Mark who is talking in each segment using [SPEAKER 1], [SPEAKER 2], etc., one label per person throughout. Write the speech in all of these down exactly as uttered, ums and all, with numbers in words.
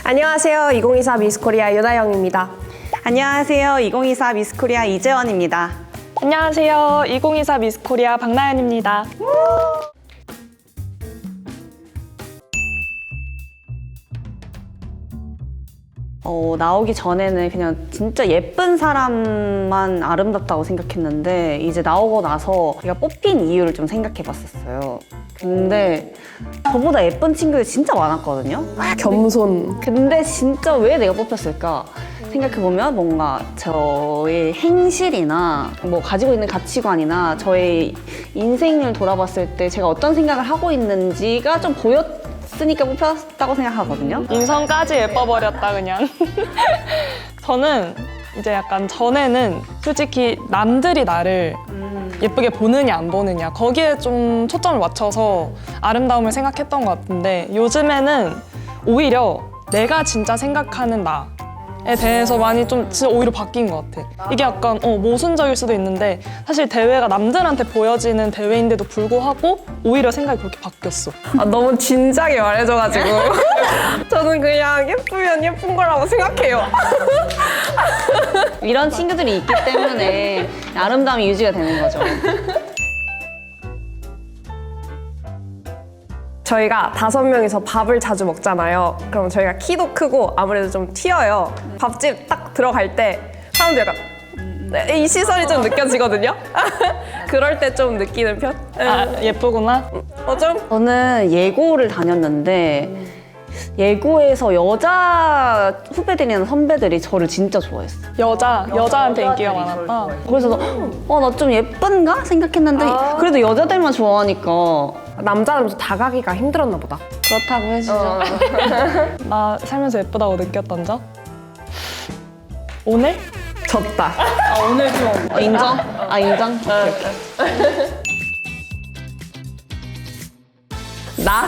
[SPEAKER 1] 안녕하세요. 이천이십사 미스코리아 유다영입니다.
[SPEAKER 2] 안녕하세요. 이천이십사 미스코리아 이재원입니다.
[SPEAKER 3] 안녕하세요. 이천이십사 미스코리아 박나연입니다.
[SPEAKER 2] 어, 나오기 전에는 그냥 진짜 예쁜 사람만 아름답다고 생각했는데 이제 나오고 나서 제가 뽑힌 이유를 좀 생각해 봤었어요. 근데 저보다 예쁜 친구들이 진짜 많았거든요.
[SPEAKER 1] 겸손.
[SPEAKER 2] 근데 진짜 왜 내가 뽑혔을까 생각해보면 뭔가 저의 행실이나 뭐 가지고 있는 가치관이나 저의 인생을 돌아봤을 때 제가 어떤 생각을 하고 있는지가 좀 보였으니까 뽑혔다고 생각하거든요.
[SPEAKER 3] 인성까지 예뻐버렸다 그냥. 저는 이제 약간 전에는 솔직히 남들이 나를 예쁘게 보느냐 안 보느냐 거기에 좀 초점을 맞춰서 아름다움을 생각했던 것 같은데 요즘에는 오히려 내가 진짜 생각하는 나에 대해서 많이 좀 진짜 오히려 바뀐 것 같아. 이게 약간 어, 모순적일 수도 있는데 사실 대회가 남들한테 보여지는 대회인데도 불구하고 오히려 생각이 그렇게 바뀌었어.
[SPEAKER 1] 아, 너무 진지하게 말해줘가지고 저는 그냥 예쁘면 예쁜 거라고 생각해요.
[SPEAKER 2] 이런 친구들이 있기 때문에 아름다움이 유지가 되는 거죠.
[SPEAKER 1] 저희가 다섯 명이서 밥을 자주 먹잖아요. 그럼 저희가 키도 크고 아무래도 좀 튀어요. 밥집 딱 들어갈 때 사람들 약간 네, 이 시선이 좀 느껴지거든요. 그럴 때 좀 느끼는 편?
[SPEAKER 3] 아, 예쁘구나?
[SPEAKER 1] 어, 좀?
[SPEAKER 2] 저는 예고를 다녔는데 예고에서 여자 후배들이나 선배들이 저를 진짜 좋아했어요.
[SPEAKER 3] 여자, 여자한테 인기가 많았다.
[SPEAKER 2] 그래서 어, 나 좀 예쁜가 생각했는데 그래도 여자들만 좋아하니까
[SPEAKER 1] 남자는 좀 다가기가 힘들었나 보다.
[SPEAKER 2] 그렇다고 해주죠.
[SPEAKER 3] 나 살면서 예쁘다고 느꼈던 적? 오늘?
[SPEAKER 1] 졌다.
[SPEAKER 2] 어, 인정? 아 인정? 오케이, 오케이.
[SPEAKER 1] 나?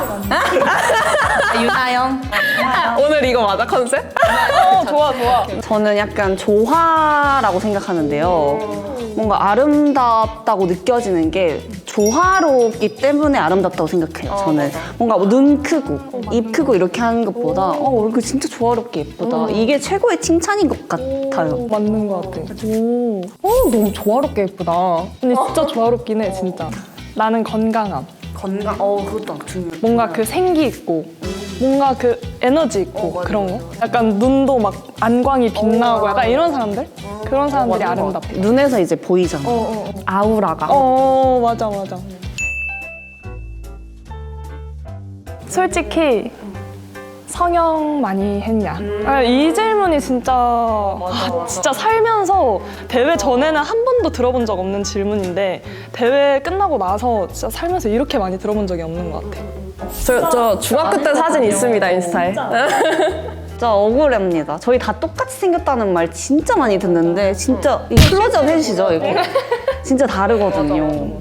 [SPEAKER 2] 유나영?
[SPEAKER 1] 오늘 이거 맞아, 컨셉?
[SPEAKER 3] 어, 좋아, 좋아.
[SPEAKER 2] 저는 약간 조화라고 생각하는데요. 뭔가 아름답다고 느껴지는 게 조화롭기 때문에 아름답다고 생각해요, 저는. 뭔가 뭐눈 크고, 입 크고 이렇게 하는 것보다 어, 얼굴 진짜 조화롭게 예쁘다. 이게 최고의 칭찬인 것 같아요.
[SPEAKER 3] 맞는 것 같아. 오.
[SPEAKER 1] 어, 너무 조화롭게 예쁘다.
[SPEAKER 3] 근데 진짜 조화롭긴 해, 진짜. 나는 건강함.
[SPEAKER 2] 건강, 어, 그것도 중요해.
[SPEAKER 3] 뭔가 그 생기 있고, 뭔가 그 에너지 있고, 그런 거. 약간 눈도 막 안광이 빛나고 약간 이런 사람들? 그런 사람들이 아름답대.
[SPEAKER 2] 눈에서 이제 보이잖아.
[SPEAKER 1] 아우라가.
[SPEAKER 3] 어, 맞아, 맞아. 솔직히 성형 많이 했냐? 아, 이 질문이 진짜 아, 진짜 살면서 대회 전에는 한 번도 들어본 적 없는 질문인데 대회 끝나고 나서 진짜 살면서 이렇게 많이 들어본 적이 없는 것 같아.
[SPEAKER 1] 저, 저 중학교 때 사진 있습니다, 인스타에.
[SPEAKER 2] 진짜 억울합니다. 저희 다 똑같이 생겼다는 말 진짜 많이 듣는데 진짜 이 클로즈업 해주시죠, 이거. 진짜 다르거든요.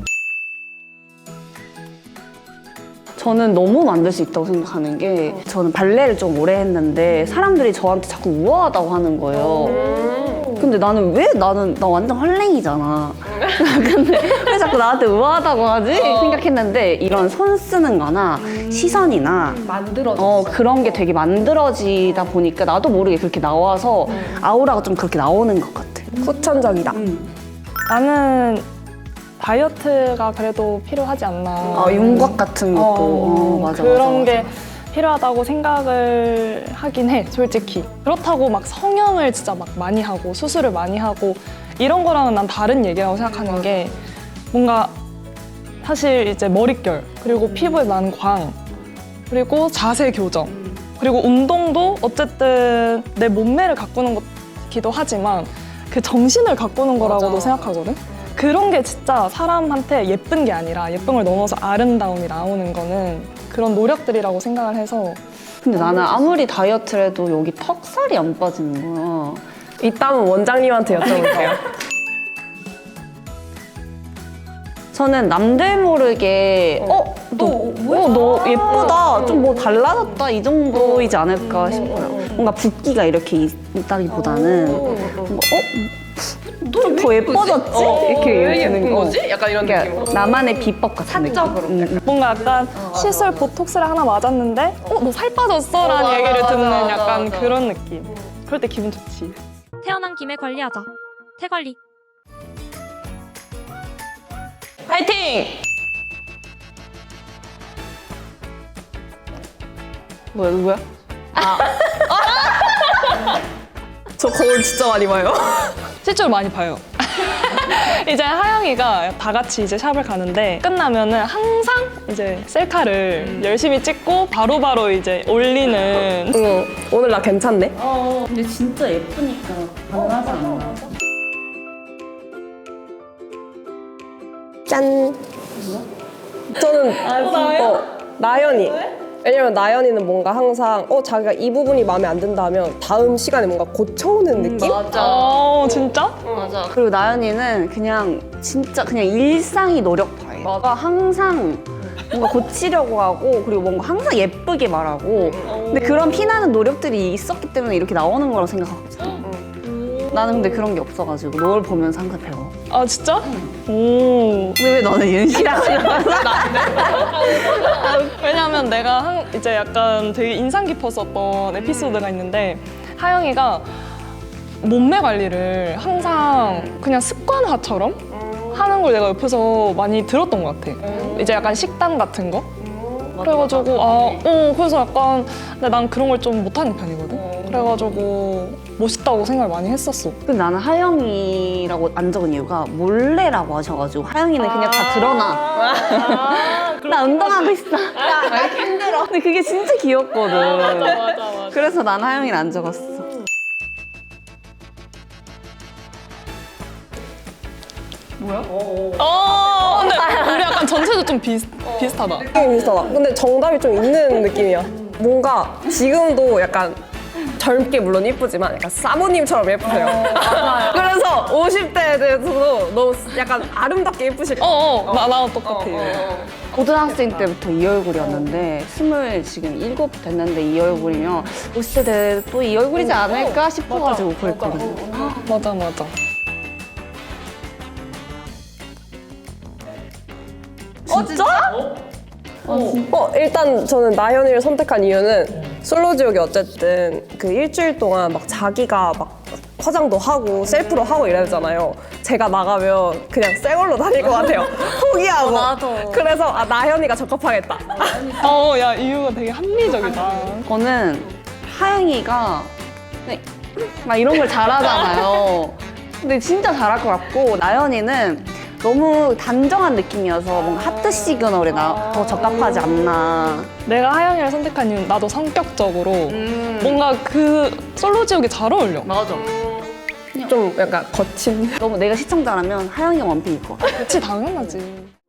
[SPEAKER 2] 저는 너무 만들 수 있다고 생각하는 게 저는 발레를 좀 오래 했는데 사람들이 저한테 자꾸 우아하다고 하는 거예요. 근데 나는 왜 나는 나 완전 헐랭이잖아. 근데 왜 자꾸 나한테 우아하다고 하지? 생각했는데 이런 손 쓰는 거나 시선이나
[SPEAKER 1] 만들어졌어.
[SPEAKER 2] 어, 그런 게 되게 만들어지다 보니까 나도 모르게 그렇게 나와서 아우라가 좀 그렇게 나오는 것 같아.
[SPEAKER 1] 후천적이다.
[SPEAKER 3] 나는 다이어트가 그래도 필요하지 않나.
[SPEAKER 2] 어, 윤곽 같은 것도 어, 맞아,
[SPEAKER 3] 그런
[SPEAKER 2] 맞아,
[SPEAKER 3] 게
[SPEAKER 2] 맞아.
[SPEAKER 3] 필요하다고 생각을 하긴 해, 솔직히. 그렇다고 막 성형을 진짜 막 많이 하고 수술을 많이 하고 이런 거랑은 난 다른 얘기라고 생각하는 게 뭔가 사실 이제 머릿결 그리고 피부에 나는 광 그리고 자세 교정 그리고 운동도 어쨌든 내 몸매를 가꾸는 것이기도 하지만 그 정신을 가꾸는 거라고도 생각하거든. 그런 게 진짜 사람한테 예쁜 게 아니라 예쁨을 넘어서 아름다움이 나오는 거는 그런 노력들이라고 생각을 해서.
[SPEAKER 2] 근데 나는 아무리 다이어트를 해도 여기 턱살이 안 빠지는 거야.
[SPEAKER 1] 이따면 원장님한테 여쭤볼게요.
[SPEAKER 2] 저는 남들 모르게 어? 너, 어, 너 예쁘다. 좀 뭐 달라졌다. 이 정도이지 않을까 싶어요. 뭔가 붓기가 이렇게 있다기보다는 뭔가 어? 좀 더 예뻐졌지? 이렇게 되는 거.
[SPEAKER 1] 약간 이런
[SPEAKER 2] 그러니까 나만의 비법 같은 느낌. 음.
[SPEAKER 3] 뭔가 약간 시술 보톡스를 하나 맞았는데 어? 너 살 빠졌어? 라는 얘기를 듣는 약간 약간 그런 느낌. 그럴 때 기분 좋지.
[SPEAKER 4] 태어난 김에 관리하자. 태관리.
[SPEAKER 1] 파이팅!
[SPEAKER 2] 뭐야 누구야?
[SPEAKER 1] 저 거울 진짜 많이 봐요.
[SPEAKER 3] 실제로 많이 봐요. 이제 하영이가 다 같이 이제 샵을 가는데 끝나면은 항상 이제 셀카를 열심히 찍고 바로바로 이제 올리는.
[SPEAKER 1] 응, 오늘 나 괜찮네?
[SPEAKER 2] 근데 진짜 예쁘니까 가능하지 않나?
[SPEAKER 1] 짠! 저는 어, 나연이. 왜냐면 나연이는 뭔가 항상 어 자기가 이 부분이 마음에 안 든다면 다음 시간에 뭔가 고쳐오는 느낌?
[SPEAKER 3] 어, 진짜?
[SPEAKER 2] 맞아. 그리고 나연이는 그냥 진짜 그냥 일상이 노력파예요. 뭔가 항상 뭔가 고치려고 하고 그리고 뭔가 항상 예쁘게 말하고 근데 그런 피나는 노력들이 있었기 때문에 이렇게 나오는 거라고 생각하거든. 나는 근데 그런 게 없어가지고 널 보면서 항상 배워.
[SPEAKER 3] 아, 진짜? 오.
[SPEAKER 2] 근데 왜 너는 윤씨랑
[SPEAKER 3] 왜냐면 내가 한, 이제 약간 되게 인상 깊었었던 에피소드가 있는데 하영이가 몸매 관리를 항상 그냥 습관화처럼 하는 걸 내가 옆에서 많이 들었던 것 같아. 이제 약간 식단 같은 거? 그래가지고 아, 어 그래서 약간 근데 난 그런 걸 좀 못하는 편이거든. 그래가지고 멋있다고 생각을 많이 했었어.
[SPEAKER 2] 근데 나는 하영이라고 안 적은 이유가 몰래라고 하셔가지고 하영이는 그냥 다 드러나. 나 운동하고 있어. 나 힘들어. 근데 그게 진짜 귀엽거든.
[SPEAKER 3] 맞아, 맞아.
[SPEAKER 2] 그래서 난 하영이를 안 적었어.
[SPEAKER 3] 어, 근데 우리 약간 전체도 좀 비슷, 비슷하다.
[SPEAKER 1] 느낌이 비슷하다. 근데 정답이 좀 있는 느낌이야. 뭔가 지금도 약간 젊게 물론 이쁘지만 약간 사모님처럼 예쁘세요. 그래서 오십 대에 대해서도 너무 약간 아름답게 예쁘실 것
[SPEAKER 3] 어, 어, 나, 나랑 똑같아.
[SPEAKER 2] 고등학생 때부터 이 얼굴이었는데 스물 지금 일곱 됐는데 이 얼굴이면 오십 대 또 이 얼굴이지 않을까 싶어가지고 그랬거든.
[SPEAKER 3] 맞아, 맞아.
[SPEAKER 2] 진짜?
[SPEAKER 1] 어, 일단 저는 나연이를 선택한 이유는 솔로지옥이 어쨌든 그 일주일 동안 막 자기가 막 화장도 하고 셀프로 하고 이래야 되잖아요. 제가 나가면 그냥 새 걸로 다닐 것 같아요. 포기하고.
[SPEAKER 2] 맞아.
[SPEAKER 1] 그래서 아, 나연이가 적합하겠다.
[SPEAKER 3] 어, 야, 이유가 되게 합리적이다.
[SPEAKER 2] 저는 하영이가 네, 막 이런 걸 잘하잖아요. 근데 진짜 잘할 것 같고 나연이는 너무 단정한 느낌이어서 뭔가 하트 시그널에 나, 더 적합하지 않나.
[SPEAKER 3] 내가 하영이를 선택한 이유는 나도 성격적으로 뭔가 그 솔로지옥이 잘 어울려.
[SPEAKER 2] 맞아.
[SPEAKER 1] 좀 약간 거친.
[SPEAKER 2] 너무 내가 시청자라면 하영이가 원픽일 것 같아.
[SPEAKER 3] 그치, 당연하지.